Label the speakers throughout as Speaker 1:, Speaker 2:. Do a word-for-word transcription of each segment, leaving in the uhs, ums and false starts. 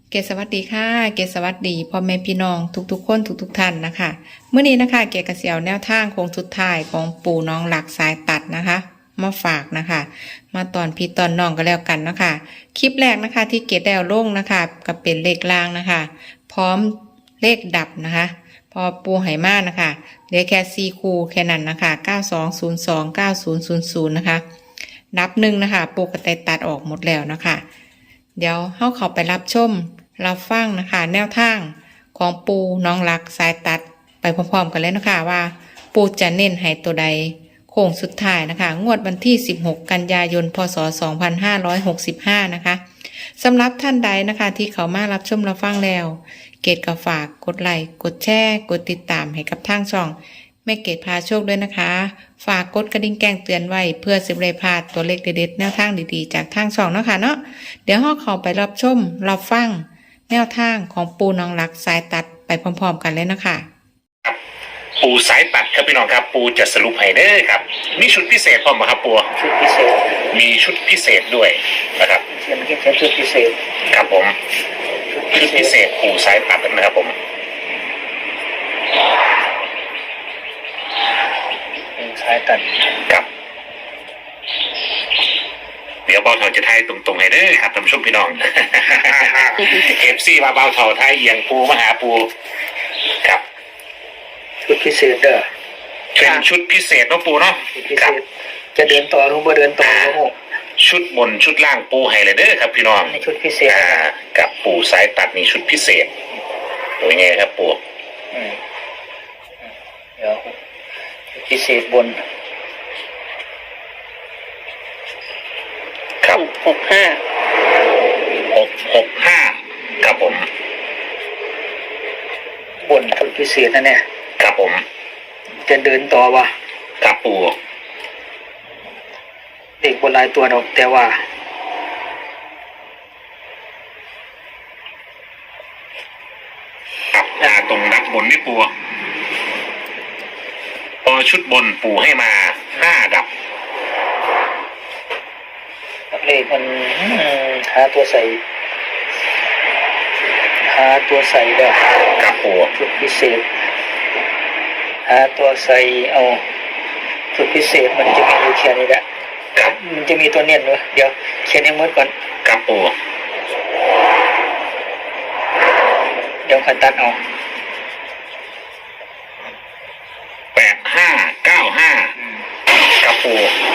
Speaker 1: เกศสวัสดีค่ะเกศสวัสดีพ่อแม่พี่น้องทุกๆคนทุกๆท่านนะคะเมื่อนี้นะคะเกศกระเสียวแนวทางโค้งสุดท้ายของปู่น้องหลักสายตัดนะคะมาฝากนะคะมาตอนพี่ตอนน้องก็แล้วกันนะคะคลิปแรกนะคะที่เกศได้เอาลงนะคะกับเป็นเลขล่างนะคะ พร้อมเลขดับนะคะพอปูไหมานะคะเหลือแค่สี่คู่แค่นั้นนะคะเก้าสองศูนย์สองเก้าศูนย์ศูนย์ศูนย์นะคะนับหนึ่งนะคะปูกระต่ายตัดออกหมดแล้วนะคะเดี๋ยวเข้าเข้าไปรับชมรับฟังนะคะแนวทางของปูน้องรักสายตัดไปพร้อมๆกันเลยนะคะว่าปูจะเน้นให้ตัวใดโค้งสุดท้ายนะคะงวดวันที่สิบหกกันยายนพศสองพันห้าร้อยหกสิบห้านะคะสำหรับท่านใดนะคะที่เขามารับชมรับฟังแล้วเกดก็ฝากกดไลค์กดแชร์กดติดตามให้กับทางช่องแม่เกดพาโชคด้วยนะคะฝากกดกระดิ่งแจ้งเตือนไว้เพื่อสิบเลยพลาดตัวเลขเด็ดๆแนวทางดีๆจากทางช่องเนาะค่ะเนาะเดี๋ยวเราเข้าไปรับชมรับฟังแนวทางของปูน้องรักสายตัดไปพร้อมๆกันเลยนะคะ
Speaker 2: ครับปูสายตัดครับพี่น้องครับปูจะสรุปให้เด้อครับมีชุดพิเศษพร้อมไหมครับปู
Speaker 3: ชุดพิเศษ
Speaker 2: มีชุดพิเศษด้วยนะครับ
Speaker 3: เขียนเขียนชุดพิเศษ
Speaker 2: ครับผมชุดพิเศษปูสายตัดนะครับผม
Speaker 3: สายตัด
Speaker 2: ครับเดี๋ยวเบาเถาจะไทยตรงๆให้เด้อครับท่านผู้ชมพี่น้องเอฟซีมาเบาเถาไทยเอียงปูมาหาปูครับ
Speaker 3: ชุดพิเศษเด้อ
Speaker 2: เป็นชุดพิเศษเนาะปูเนาะ
Speaker 3: ครับจะเดินต่อหรือบ่เดินต่อ
Speaker 2: ชุดบนชุดล่างปูให้เลยเด้อครับพี่น้อง
Speaker 3: ในชุดพิเศษ
Speaker 2: กับปูสายตัดนี่ชุดพิเศษเป็นไงครับปู
Speaker 3: เดี๋ยวพิเศษบน
Speaker 2: ครับ
Speaker 4: หกห้า
Speaker 2: หกหกห้าครับผม
Speaker 3: บนชุดพิเศษนั่นเนี่ย
Speaker 2: ครับผม
Speaker 3: จะเดินต่อวะ
Speaker 2: ครับปู
Speaker 3: เด็กบนลายตัวดอกแต่ว่า
Speaker 2: ครับาตรงนักบนนี่ปูพอชุดบนปูให้มาห้าดับ
Speaker 3: เลขมันหาตัวใส่หาตัวใส่ได้
Speaker 2: ครับปู
Speaker 3: ชุดพิเศษหาตัวใส่เอาชุดพิเศษมันจะมีอยู่แค่นี้แหละ
Speaker 2: ครับ
Speaker 3: มันจะมีตัวเนียนด้วยเดี๋ยวเขียนให้หมดก่อน
Speaker 2: ครับปู
Speaker 3: เดี๋ยวขันตัดเอา
Speaker 2: แปดห้าเก้าห้าครับปู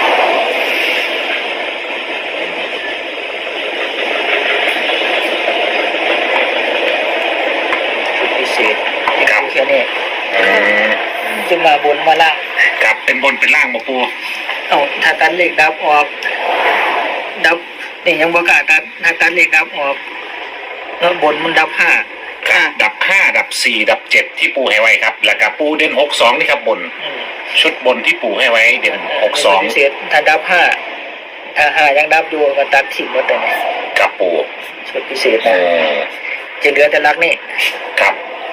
Speaker 3: ครับแค่นี้จะมาบนมาล่าง
Speaker 2: ครับเป็นบนเป็นล่างมาปู
Speaker 3: เอาถ้าตัดเลขดับออกดับนี่ยังบอกาตัดถ้าตัดเลขดับออกแล้วบนมันดับห้า
Speaker 2: ดับห้าดับสี่ดับเจ็ดที่ปูให้ไว้ครับแล้วก็ปูเด่นหกสองนี่ครับบนชุดบนที่ปูให้ไว้เด่นหกสอง
Speaker 3: เศษถ้าดับห้าถ้าห้ายังดับอยู่ก็ตัดทิ้งหมดเลย
Speaker 2: ครับปู
Speaker 3: ชุดพิเศษนะจะเหลือแต่ลักนี่
Speaker 2: ครับ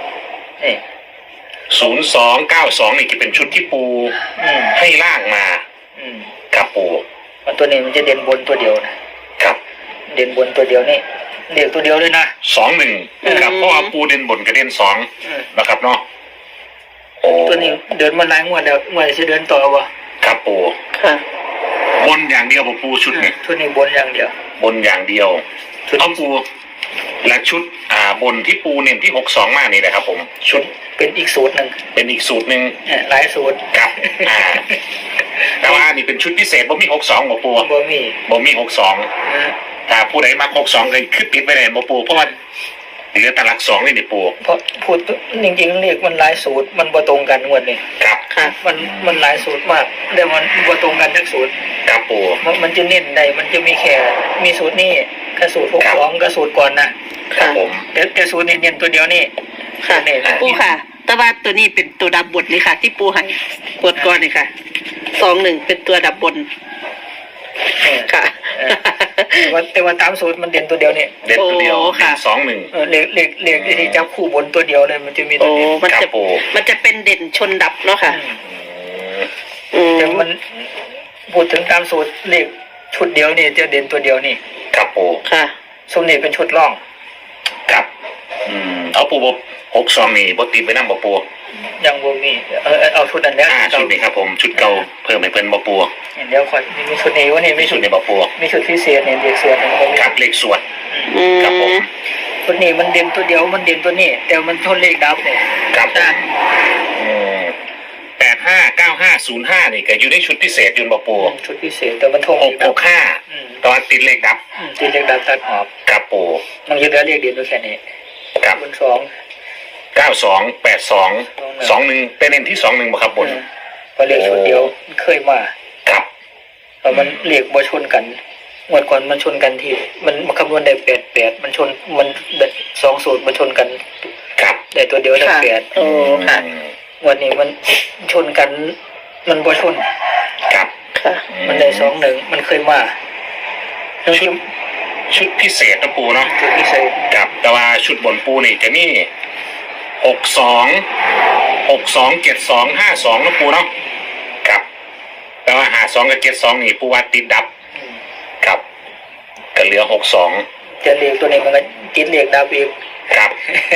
Speaker 2: ศูนย์สองเก้าสองนี่จะเป็นชุดที่ปูให้ล่างมาครับปู
Speaker 3: มันตัวนี้มันจะเด่นบนตัวเดียวนะครับเด่นบนตัวเดียวนี่เด่นตัวเดียวเลยนะ
Speaker 2: สองหนึ่งครับเพราะว่าปูเด่นบนกับเด่นสองนะครับเนาะ
Speaker 3: ตัวนี้เดินมาหลายงวดแล้วงวดจะเดินต่อวะ
Speaker 2: ครับปู
Speaker 3: ค่ะ
Speaker 2: บนอย่างเดียวปูชุดนี้
Speaker 3: ชุดนี้บนอย่างเดียว
Speaker 2: บนอย่างเดียวเอาปูและชุดอ่าบนที่ปูเน้นที่หกสองมากนี่นะครับผมชุด
Speaker 3: เป็นอีกสูตรหนึ่ง
Speaker 2: เป็นอีกสูตรหนึ่ง
Speaker 3: หลายสูตร
Speaker 2: ครับอ่าแต่ว่านี่เป็นชุดพิเศษบ่มีหกสองบ่ปู
Speaker 3: บ่มี
Speaker 2: บ่มีหกสองถ้าผู้ใดมาหกสองเลยขึ้นติดไปเลยบ่ปูเพราะว่าเหลือตลักสองนี่นี่ปู
Speaker 3: เพราะพูดจริงๆเรียกมันหลายสูตรมันบ่ตรงกันงวดนี้
Speaker 2: ครับ
Speaker 3: ค่ะมันมันหลายสูตรมากแต่มันบ่ตรงกันทั้งสูตร
Speaker 2: ครับปู
Speaker 3: มันจะเน้นได้มันจะมีแค่มีสูตรนี้กับสูตรหกสองกับสูตรก่อนนะครับ
Speaker 2: ผม
Speaker 3: เดี๋ยวแต่สูตรนี้เน้นตัวเดียวนี่
Speaker 4: ค่ะปูค่ะแต่ว่าตัวนี้เป็นตัวดับบนนี่ค่ะที่ปูให้กดก่อนนี่ค่ะสองหนึ่งเป็นตัวดับบนค่ะ
Speaker 3: ว่าแต่ว่าตามสูตรมันเด่นตัวเดียวนี่
Speaker 2: เด่นตัวเดียวค่ะสองหนึ่ง
Speaker 3: เลขเลขเลขที่จับคู่บนตัวเดียวเลยมันจะมีตัวนี้
Speaker 4: มันจะมันจะเป็นเด่นชนดับเนาะค่ะ
Speaker 3: แต่มันพูดถึงตามสูตรเลขชุดเดียวนี่จะเด่นตัวเดียวนี่
Speaker 2: ครับปู
Speaker 3: ค่ะสูตรนี้เป็นชุดร่อง
Speaker 2: คอืมเอาปูบหกสองนี่บติดไปนั่งบ่ปู
Speaker 3: ยังบ่มีเออเอาชุดนั้นแล้ว
Speaker 2: อ่าชุดนี้ครับผมชุดเก่าเพิ่มให้เพิ่นบ่ปู
Speaker 3: เดี๋ยวค่อยมีชุดนี้วะนี่มี
Speaker 2: ชุ
Speaker 3: ชุ
Speaker 2: ด
Speaker 3: ด
Speaker 2: นี้บ่ปู
Speaker 3: มีชุดพิเศษเนี่ยเด็กเสือเนี่ยมันมี
Speaker 2: ครับเลขสวด
Speaker 4: อื
Speaker 2: ครับผม
Speaker 4: ม
Speaker 3: ชุดนี้มันเด่นตัวเดียวมันเด่นตัวนี้แต่มันทนเลขดับเนี่ย
Speaker 2: ครับผมอืมแปดห้าเก้าห้าศูนย์ห้านี่ก็อยู่ในชุดพิเศษอยืนบ่ปู
Speaker 3: ชุดพิเศษแต่มันทง
Speaker 2: หกหกห้า
Speaker 3: อืม
Speaker 2: ตอนติดเลขดับ
Speaker 3: อืมที่เลขดับตัดออก
Speaker 2: ครับปู
Speaker 3: มันจะเหลือเลขเดียวแค่นี้
Speaker 2: ครับ
Speaker 3: บนสอง
Speaker 2: เก้าสองแปดสองสองหนึ่งเป็นเน้นที่สองหนึ่งบ่ครับบน
Speaker 3: อืมพอเลขชุดเดียวมันเคยมา
Speaker 2: ครับ
Speaker 3: พอมันเลขบ่ชนกันงวดก่อนมันชนกันที่มันมันคำนวณได้แปดแปดมันชนมันแบบสองสูตรมันชนกัน
Speaker 2: ครับ
Speaker 3: ได้ตัวเดียวได้
Speaker 4: ค่ะ
Speaker 3: แปด
Speaker 4: โอ้ค่ะ
Speaker 2: อืม
Speaker 3: วันนี้มันชนกัน มันบ่ชน
Speaker 2: ครับ
Speaker 4: ค่ะ
Speaker 3: มันได้สองหนึ่งมันเคยมา
Speaker 2: ชุดชุดพิเศษนะปูเนาะ
Speaker 3: จุดพิเศษ
Speaker 2: ครับแต่ว่าชุดบนปูนี่จะมีหกสองหกสองเจ็ดสองห้าสองนะปูเนาะครับแต่ว่าหาสองกับเจ็ดสองนี่ปูว่าติดดับ
Speaker 3: อืม
Speaker 2: ครับก็เหลือหกสอง
Speaker 3: จะเลขตัวนี้มันก็ติดเลขดับอีก
Speaker 2: ครับ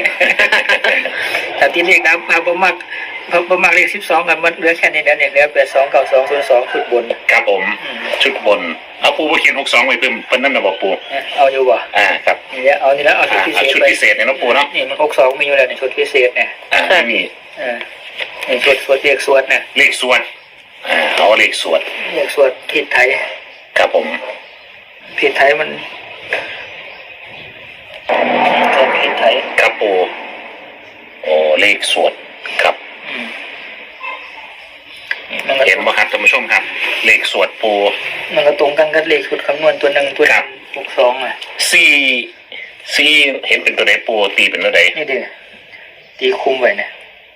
Speaker 3: แต่ติดเลขดับพาบ่มักพาบ่มักเลขสิบสองกันมันเหลือแค่นี้แล้วเนี่ยเหลือแปดสองเก้าสองศูนย์สองชุดบน
Speaker 2: ครับผม
Speaker 3: อืม
Speaker 2: ชุดบนเอาปูไปเขียนหกสองไว้เพิ่มเพิ่นนั่นนะบอกปู
Speaker 3: เอาอยู่บ่
Speaker 2: อ่าครับ
Speaker 3: นี่แหละเอานี่แล้วเอาชุด
Speaker 2: อ่า
Speaker 3: พิเศ
Speaker 2: เอา
Speaker 3: ษ
Speaker 2: ชุด
Speaker 3: ไป
Speaker 2: พิเศษเนี่ยนะปูเนาะ
Speaker 3: นี่มันหกสองมีอยู่แล้วในชุดพิเศษเนี่ย
Speaker 2: อ่าไม่มี
Speaker 3: เออนี่ชุดชุดเลขสวดเนี่ย
Speaker 2: เลขสวดอ่าเอาเลขสวด
Speaker 3: เลขสวดผิดไทย
Speaker 2: ครับผม
Speaker 3: ผิดไทยมันแทนผิดไทย
Speaker 2: ครับปูโอ้เลขสวดครับ
Speaker 3: อืมมันก็
Speaker 2: เห็นไหมครับท่านผู้ชมครับ เลขสวดปู
Speaker 3: มันก็ตรงกันกับเลขชุดคำนวณตัวหนึ่งตัวห
Speaker 2: ครั
Speaker 3: นึ่
Speaker 2: บ
Speaker 3: งหกสองอ่ะ
Speaker 2: สี่สี่เห็นเป็นตัวใดปูตีเป็นตัวใด
Speaker 3: นี่เด้อตีคุมไว้เนี่ย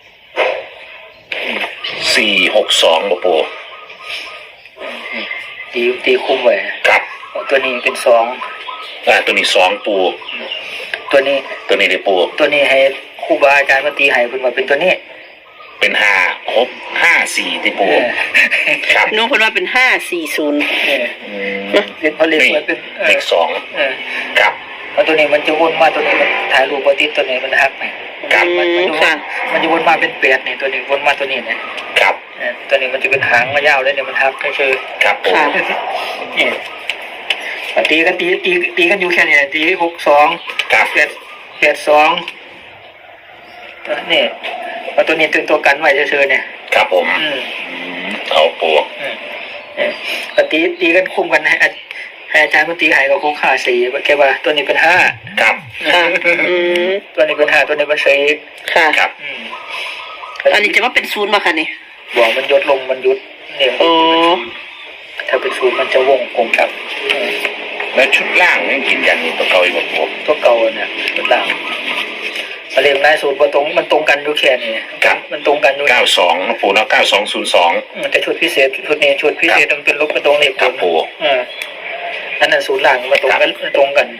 Speaker 2: สี่หกสองบ่ปู
Speaker 3: นี่ตีตีคุมไว้
Speaker 2: ครับ
Speaker 3: ตัวนี้เป็นสอง
Speaker 2: อ่าตัวนี้สองปู
Speaker 3: ตัวนี้
Speaker 2: ตัวนี้เลยปู
Speaker 3: ตัวนี้ให้ครูบาอาจารย์มาตีให้เพิ่นว่าเป็นตัวนี้
Speaker 2: เป็นห้าหกห้าสี่ที่ปู
Speaker 3: เออ
Speaker 2: ครับ
Speaker 4: น้องคนว่าเป็นห้าสี่ศูนย์
Speaker 3: เออ
Speaker 2: อืม
Speaker 3: เป็นเพราะเลข
Speaker 2: นี่
Speaker 3: มันเป็นเอ
Speaker 2: เล
Speaker 3: อ
Speaker 2: ขสอง
Speaker 3: เออ
Speaker 2: ครับ
Speaker 3: เพราะตัวนี้มันจะวนมาตัวนี้มันถ่ายรูปบ่ติดตัวนี้มันหักไหม
Speaker 2: ครับ
Speaker 3: มันมันจะวน
Speaker 4: ค่ะ
Speaker 3: มันจะวนมาเป็นแปดนี่ตัวนี้วนมาตัวนี้เนี่ย
Speaker 2: ครับ
Speaker 3: เออตัวนี้มันจะเป็นหางมายาวเลยเนี่ยมันหักก็คือ
Speaker 2: ครับปู
Speaker 4: ค่ะ
Speaker 3: นี่มันตีกันตีตีตีกันอยู่แค่นี้ตีหกสอง
Speaker 2: ครับ
Speaker 3: แปดแปดสองตัวนี่เพราะตัวนี้เป็นตัวกันไว้เฉยๆเนี่ย
Speaker 2: ครับผม
Speaker 3: อืม
Speaker 2: อืมเอาปู
Speaker 3: อืมเออก็ตีตีกันคุมกันให้อาให้อาจารย์มันตีให้กับคุกห้าสี่แกว่าตัวนี้เป็นห้า
Speaker 2: ครับ
Speaker 4: ค่ะอืม
Speaker 3: ตัวนี้เป็นห้าตัวนี้เป็นสี่
Speaker 4: ค่ะ
Speaker 2: ครับ
Speaker 3: อืม
Speaker 4: อันนี้จะว่าเป็นศูนย์มาค่ะนี่
Speaker 3: บอกมันยดลงมันยุดเนี่ย
Speaker 4: โอ้
Speaker 3: ถ้าเป็นศูนย์มันจะวงกลมครับอืม
Speaker 2: แล้วชุดล่างยังกินยันนี่ตัวเก่าอีกบ่ปู
Speaker 3: ตัวเก่าเนี่ยตัวล่างมาเรียงนายสูตรบ่ตรงมันตรงกันอยู่แค่นี้มันตรงกันอยู่
Speaker 2: เก้าสองนะปูเนาะเก้าสองศูนย์สอง
Speaker 3: อืมแต่ชุดพิเศษชุดนี้ชุดพิเศษมันเป็นลบเป็นตรงนี่
Speaker 2: ครับปู
Speaker 3: เอออันนั้นศูนย์ล่างมาตรงกันตรงกัน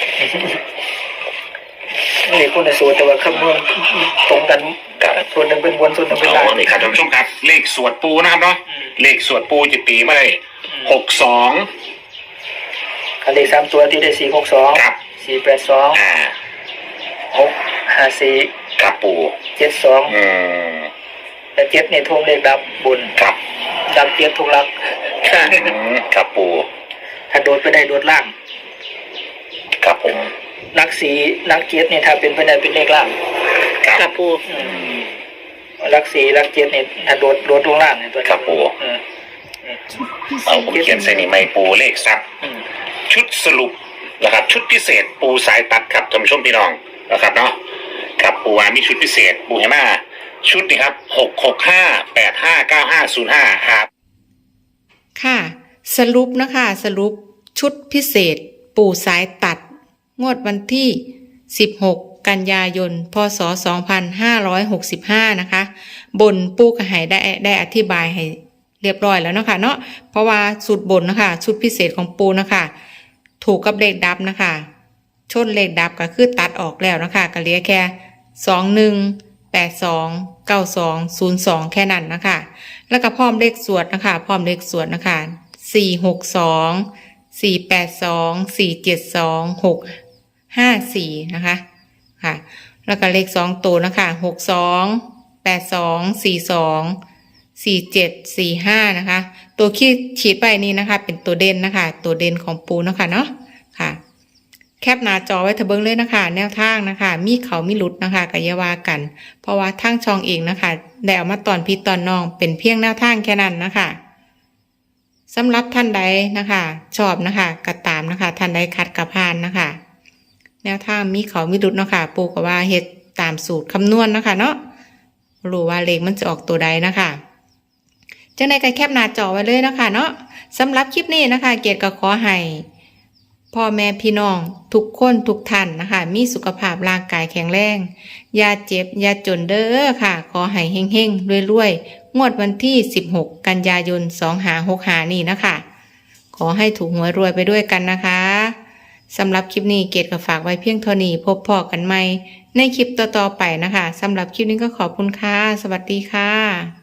Speaker 3: นี่คนในสูตรแต่ว่าคำนวณตรงกัน
Speaker 2: ครับ
Speaker 3: ส่วนหนึ่งเป็นบนส่วนหนึ่งเป็น
Speaker 2: เอา
Speaker 3: ล่าง
Speaker 2: นี่ครับท่านผู้ชมครับ เลขสวดปูนะครับเนาะ
Speaker 3: อืม
Speaker 2: เลขสวดปูจะตีมาได้หกสอง
Speaker 3: อันเลขสามตัวที่ได้สี่หกสอง
Speaker 2: ครับ
Speaker 3: สี่แปดสอง
Speaker 2: อ่า
Speaker 3: หกห้าสี่
Speaker 2: ครับปู
Speaker 3: เจ็ดสอง
Speaker 2: อืม
Speaker 3: แต่เจ็ดเนี่ยทงเลขดับบน
Speaker 2: ครับ
Speaker 3: ดับเจ็ดทุกหลัก
Speaker 4: ค่ะ
Speaker 2: อืมครับปู
Speaker 3: ถ้าโดดไปได้โดดล่าง
Speaker 2: ครับผม
Speaker 3: ลักสีลักเจ็ดเนี่ยถ้าเป็นไปได้เป็นเลขล่าง
Speaker 2: ครับ
Speaker 4: ค่ะปู
Speaker 3: อืมลักสีลักเจ็ดเนี่ยถ้าโดดโดดลงล่างเนี่ยตัวนี้
Speaker 2: ครับปู
Speaker 3: อืม
Speaker 2: เอาผมเขียนใส่นี่ไม่ปูเลขซับ
Speaker 3: อืม
Speaker 2: ชุดสรุปนะครับ ชุดพิเศษปูสายตัดครับท่านผู้ชมพี่น้องนะครับเนาะครับปูวามีชุดพิเศษปูเห็นไหมชุดนี่ครับหกหกห้าแปดห้าเก้าห้าศูนย์ห้าครับ
Speaker 1: ค่ะ สรุปนะคะสรุปชุดพิเศษปู่สายตัด งวดวันที่ สิบหก กันยายน พศ สองพันห้าร้อยหกสิบห้า นะคะ บนปู่กระหายได้ได้อธิบายให้เรียบร้อยแล้วเนาะคะเนาะเพราะว่าสูตรบนนะคะชุดพิเศษของปู่นะคะ ถูกกับเลขดับนะคะชนเลขดับก็คือตัดออกแล้วนะคะก็เหลือแค่สองหนึ่งแปดสองเก้าสองศูนย์สองแค่นั้นนะคะแล้วก็พร้อมเลขสวดนะคะพร้อมเลขสวดนะคะสี่หกสองสี่แปดสองสี่เจ็ดสองหกห้าสี่นะคะค่ะ แล้วก็เลขสองตัวนะคะหกสองแปดสองสี่สองสี่เจ็ดสี่ห้านะคะ ตัวที่ฉีดไปนี้นะคะ เป็นตัวเด่นนะคะ ตัวเด่นของปูนะคะเนาะค่ะ แคปหน้าจอไว้เถอะเบิ่งเลยนะคะ แนวทางนะคะ มีเขามีหลุดนะคะกะอยาว่ากัน เพราะว่าทางช่องเองนะคะได้เอามาตอนพี่ตอนน้องเป็นเพียงแนวทางแค่นั้นนะคะสำหรับท่านใดนะคะ ชอบนะคะก็ตามนะคะ ท่านใดคัดกระพานนะคะ แนวทางมีเขามีหลุดเนาะค่ะปูก็ว่าเฮ็ดตามสูตรคำนวณนะคะเนาะรู้ว่าเลขมันจะออกตัวใดนะคะจังใดก็แคปหน้าจอไว้เลยนะคะเนาะสำหรับคลิปนี้นะคะ เกียรติก็ขอให้พ่อแม่พี่น้องทุกคนทุกท่านนะคะ มีสุขภาพร่างกายแข็งแรงอย่าเจ็บอย่าจนเด้อค่ะ ขอให้เฮงๆรวยๆงวดวันที่สิบหกกันยายนสองห้าหกห้านี่นะคะขอให้ถูกหวยรวยไปด้วยกันนะคะสำหรับคลิปนี้เกดก็ฝากไว้เพียงเท่านี้พบพอกันใหม่ในคลิปต่อๆไปนะคะสำหรับคลิปนี้ก็ขอบคุณค่ะสวัสดีค่ะ